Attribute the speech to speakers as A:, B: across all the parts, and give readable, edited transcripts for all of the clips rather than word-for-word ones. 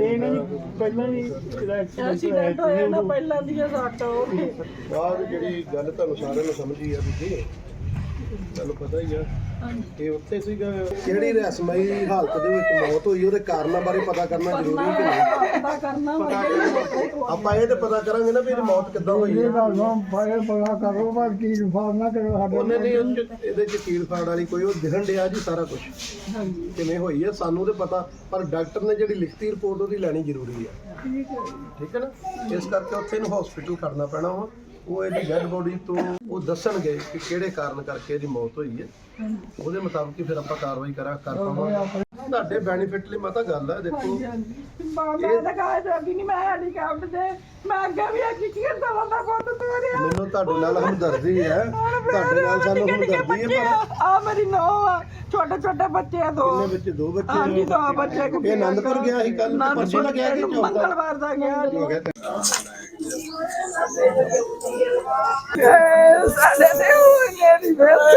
A: ਪਹਿਲਾਂ ਵੀ
B: ਐਕਸੀਡੈਂਟ ਹੋਇਆ ਨਾ ਪਹਿਲਾਂ ਦੀ ਸੱਟ ਹੋ ਗਈ
C: ਬਾਅਦ ਜਿਹੜੀ ਗੱਲ ਤੁਹਾਨੂੰ ਸਾਰਿਆਂ ਨੂੰ ਸਮਝੀ ਆ ਵੀ ਤੁਹਾਨੂੰ ਪਤਾ ਹੀ ਆ ਇਹ ਉੱਥੇ ਸੀਗਾ ਜਿਹੜੀ ਰਹੱਸਮਈ ਹਾਲਤ ਦੇ ਵਿੱਚ ਮੌਤ ਹੋਈ ਉਹਦੇ ਕਾਰਨਾਂ ਬਾਰੇ ਪਤਾ ਕਰਨਾ ਜ਼ਰੂਰੀ ਹੈ ਕਿ ਨਹੀਂ
B: ਪਤਾ ਕਰਨਾ
C: ਆਪਾਂ ਇਹ ਤੇ ਪਤਾ ਕਰਾਂਗੇ ਨਾ ਵੀ ਇਹਦੀ ਮੌਤ ਕਿੱਦਾਂ ਹੋਈ ਹੈ
A: ਪਤਾ ਕਰੋ ਪਰ ਕੀ ਇਨਫਾਰਮ ਨਾ ਕਰੋ ਸਾਡੇ
C: ਉਹਨੇ ਨਹੀਂ ਇਹਦੇ ਚ ਕੀਲ ਫਾੜ ਵਾਲੀ ਕੋਈ ਉਹ ਦਿਖਣ ਡਿਆ ਜੀ ਸਾਰਾ ਕੁਝ ਕਿਵੇਂ ਹੋਈ ਹੈ ਸਾਨੂੰ ਤੇ ਪਤਾ ਪਰ ਡਾਕਟਰ ਨੇ ਜਿਹੜੀ ਲਿਖਤੀ ਰਿਪੋਰਟ ਉਹਦੀ ਲੈਣੀ ਜ਼ਰੂਰੀ ਹੈ ਠੀਕ ਹੈ ਨਾ ਇਸ ਕਰਕੇ ਉੱਥੇ ਇਹਨੂੰ ਹਸਪੀਟਲ ਖੜਨਾ ਪੈਣਾ ਵਾ ਉਹ ਇਹਦੀ ਡੈਡ ਬੋਡੀ ਤੋਂ ਉਹ ਦੱਸਣਗੇ ਕਿ ਕਿਹੜੇ ਕਾਰਨ ਕਰਕੇ ਇਹਦੀ ਮੌਤ ਹੋਈ ਹੈ ਉਹਦੇ ਮੁਤਾਬਕ ਹੀ ਫਿਰ ਆਪਾਂ ਕਾਰਵਾਈ ਕਰ ਪਾਵਾਂਗੇ ਤੁਹਾਡੇ ਬੈਨੀਫਿਟ ਲਈ ਮਤਾ ਗੱਲ ਹੈ ਦੇਖੋ
B: ਮੈਂ ਤਾਂ ਕਹਾਂ ਜਾਂਦੀ ਨਹੀਂ ਮੈਂ ਹੈਲੀਕਾਪਟਰ ਤੇ ਮੈਂ ਅੱਗੇ ਵੀ ਆ ਕੀ ਦਵਾ ਦਾ ਪੁੱਤ ਤੋਰਿਆ
C: ਮੈਨੂੰ ਤੁਹਾਡੇ ਨਾਲ ਹਮਦਰਦੀ ਹੈ ਤੁਹਾਡੇ ਨਾਲ ਸਾਨੂੰ ਹਮਦਰਦੀ ਹੈ ਪਰ
B: ਆ ਮੇਰੀ ਨੌ ਆ ਛੋਟੇ ਛੋਟੇ ਬੱਚੇ ਆ ਦੋ
C: ਕਿੰਨੇ ਬੱਚੇ ਦੋ ਬੱਚੇ
B: ਹਾਂਜੀ ਦੋ ਬੱਚੇ
C: ਇਹ ਆਨੰਦਪੁਰ ਗਿਆ ਸੀ ਕੱਲ ਪਰਸੋਂ ਦਾ ਗਿਆ ਕਿ
B: ਮੰਗਲਵਾਰ ਦਾ ਗਿਆ ਸਾਡੇ ਤੇ ਹੋਏ ਨਹੀਂ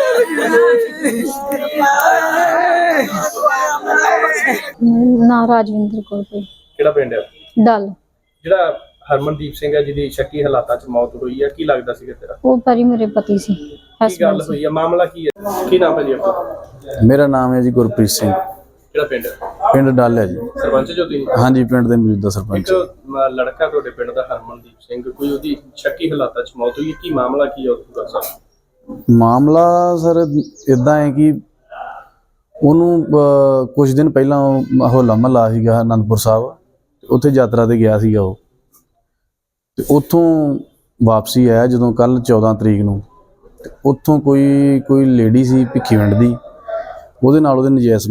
D: ਨਾ ਰਾਜਵਿੰਦਰ ਕੌਰ ਕੋਈ
E: ਕਿਹੜਾ ਪਿੰਡ ਹੈ
D: ਡਲ
E: ਜਿਹੜਾ ਹਰਮਨਦੀਪ ਸਿੰਘ ਹੈ ਜਿਹਦੀ ਸ਼ੱਕੀ ਹਾਲਾਤਾਂ 'ਚ ਮੌਤ ਹੋਈ ਹੈ, ਕੀ ਲੱਗਦਾ ਸੀਗਾ ਤੇਰਾ?
D: ਉਹ ਪਰੀ ਮੇਰੇ ਪਤੀ ਸੀ
E: ਕੀ ਗੱਲ
D: ਹਸਬੈਂਡ
E: ਹੋਈ ਹੈ, ਮਾਮਲਾ ਕੀ ਹੈ, ਕੀ ਨਾਮ ਹੈ ਜੀ ਆਪਣਾ?
F: ਮੇਰਾ ਨਾਮ ਹੈ ਜੀ ਗੁਰਪ੍ਰੀਤ ਸਿੰਘ,
E: ਕਿਹੜਾ ਪਿੰਡ ਹੈ?
F: ਪਿੰਡ ਡੱਲ ਹੈ ਜੀ।
E: ਸਰਪੰਚ ਜੋ ਤੁਸੀਂ?
F: ਹਾਂਜੀ, ਪਿੰਡ ਦੇ ਮੌਜੂਦਾ
E: ਇੱਕ
F: ਸਰਪੰਚ।
E: ਲੜਕਾ ਤੁਹਾਡੇ ਪਿੰਡ ਦਾ ਹਰਮਨਦੀਪ ਸਿੰਘ, ਕੋਈ ਉਹਦੀ ਸ਼ੱਕੀ ਹਾਲਾਤਾਂ 'ਚ ਮੌਤ ਹੋਈ ਹੈ, ਕੀ ਮਾਮਲਾ ਕੀ ਹੈ ਉਹਦਾ ਸਰ?
F: ਮਾਮਲਾ ਸਰ ਇਦਾਂ ਹੈ ਕਿ ਉਹਨੂੰ ਕੁਝ ਦਿਨ ਪਹਿਲਾਂ ਹੋਲਾ ਮਹੱਲਾ ਸੀਗਾ ਅਨੰਦਪੁਰ ਸਾਹਿਬ, ਉੱਥੇ ਯਾਤਰਾ ਤੇ ਗਿਆ ਸੀਗਾ ਉਹ, ਤੇ ਉੱਥੋਂ ਵਾਪਸੀ ਆਇਆ ਜਦੋਂ ਕੱਲ 14 ਤਰੀਕ ਨੂੰ। ਉੱਥੋਂ ਕੋਈ ਲੇਡੀ ਸੀ ਭਿੱਖੀਵਿੰਡ ਦੀ, ਉਹਦੇ ਨਾਲ ਉਹਦੇ ਨਜਾਇਜ਼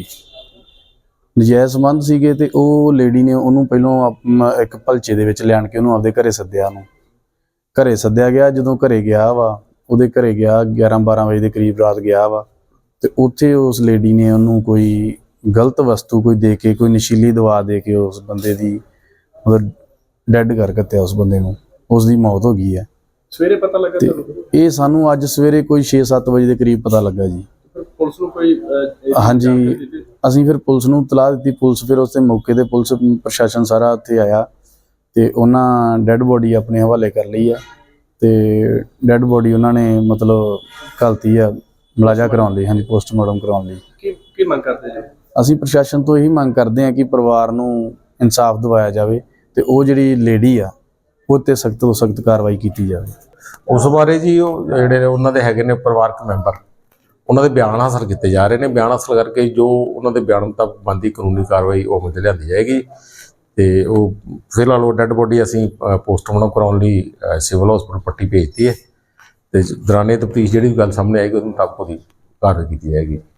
F: ਸੰਬੰਧ ਸੀਗੇ ਤੇ ਉਹ ਲੇਡੀ ਨੇ ਉਹਨੂੰ ਪਹਿਲਾਂ ਇੱਕ ਭਲਚੇ ਦੇ ਵਿੱਚ ਲਿਆਣ ਕੇ ਉਹਨੂੰ ਆਪਦੇ ਘਰੇ ਸੱਦਿਆ ਗਿਆ। ਜਦੋਂ ਘਰੇ ਗਿਆ ਵਾ, ਉਹਦੇ ਘਰੇ ਗਿਆ 11-12 ਵਜੇ ਦੇ ਕਰੀਬ ਰਾਤ ਗਿਆ ਵਾ, ਤੇ ਉੱਥੇ ਉਸ ਲੇਡੀ ਨੇ ਉਹਨੂੰ ਕੋਈ ਗਲਤ ਵਸਤੂ ਕੋਈ ਦੇ ਕੇ, ਕੋਈ ਨਸ਼ੀਲੀ ਦਵਾ ਦੇ ਕੇ ਉਸ ਬੰਦੇ ਦੀ ਮਤਲਬ ਡੈਡ ਕਰ ਦਿੱਤਾ। ਉਸ ਬੰਦੇ ਨੂੰ, ਉਸ ਦੀ ਮੌਤ ਹੋ ਗਈ ਹੈ।
E: ਸਵੇਰੇ ਪਤਾ ਲੱਗਾ ਤੁਹਾਨੂੰ?
F: ਇਹ ਸਾਨੂੰ ਅੱਜ ਸਵੇਰੇ ਕੋਈ 6-7 ਵਜੇ ਦੇ ਕਰੀਬ ਪਤਾ ਲੱਗਾ ਜੀ।
E: ਪੁਲਿਸ ਨੂੰ ਕੋਈ
F: ਹਾਂਜੀ, ਅਸੀਂ ਫਿਰ ਪੁਲਿਸ ਨੂੰ ਇਤਲਾਹ ਦਿੱਤੀ। ਪੁਲਿਸ ਫਿਰ ਉਸ ਦੇ ਮੌਕੇ ਤੇ ਪੁਲਿਸ ਪ੍ਰਸ਼ਾਸਨ ਸਾਰਾ ਉੱਥੇ ਆਇਆ ਤੇ ਉਹਨਾਂ ਡੈਡ ਬੋਡੀ ਆਪਣੇ ਹਵਾਲੇ ਕਰ ਲਈ ਆ, ਤੇ ਡੈਡ ਬੋਡੀ ਉਹਨਾਂ ਨੇ ਮਤਲਬ ਘਲਤੀ ਆ ਮੁਲਾਜ਼ਾ ਕਰਾਉਣ ਲਈ। ਹਾਂਜੀ, ਪੋਸਟਮਾਰਟਮ ਕਰਾਉਣ ਲਈ।
E: ਕੀ ਮੰਗ ਕਰਦੇ ਜੀ?
F: ਅਸੀਂ ਪ੍ਰਸ਼ਾਸਨ ਤੋਂ ਇਹੀ ਮੰਗ ਕਰਦੇ ਹਾਂ ਕਿ ਪਰਿਵਾਰ ਨੂੰ ਇਨਸਾਫ ਦਿਵਾਇਆ ਜਾਵੇ ਤੇ ਉਹ ਜਿਹੜੀ ਲੇਡੀ ਆ ਉਹ 'ਤੇ ਸਖਤ ਤੋਂ ਸਖਤ ਕਾਰਵਾਈ ਕੀਤੀ ਜਾਵੇ।
G: ਉਸ ਬਾਰੇ ਜੀ ਉਹ ਜਿਹੜੇ ਨੇ ਉਹਨਾਂ ਦੇ ਹੈਗੇ ਨੇ ਪਰਿਵਾਰਕ ਮੈਂਬਰ, ਉਹਨਾਂ ਦੇ ਬਿਆਨ ਹਾਸਲ ਕੀਤੇ ਜਾ ਰਹੇ ਨੇ। ਬਿਆਨ ਹਾਸਲ ਕਰਕੇ ਜੋ ਉਹਨਾਂ ਦੇ ਬਿਆਨ ਮੁਤਾਬਕ ਬਣਦੀ ਕਾਨੂੰਨੀ ਕਾਰਵਾਈ ਉਹ ਅਮਲ 'ਚ ਲਿਆਂਦੀ ਜਾਏਗੀ। ਤੇ ਉਹ ਫਿਲਹਾਲ ਉਹ ਡੈੱਡ ਬੋਡੀ ਅਸੀਂ ਪੋਸਟਮਾਰਟਮ ਕਰਾਉਣ ਲਈ ਸਿਵਲ ਹਸਪਤਾਲ ਪੱਟੀ ਭੇਜਤੀ ਹੈ, ਤੇ ਦੌਰਾਨੇ ਤਫਤੀਸ਼ ਜਿਹੜੀ ਗੱਲ ਸਾਹਮਣੇ ਆਏਗੀ ਉਹਦੇ ਮੁਤਾਬਕ ਉਹਦੀ ਕਾਰਵਾਈ ਕੀਤੀ ਜਾਏਗੀ।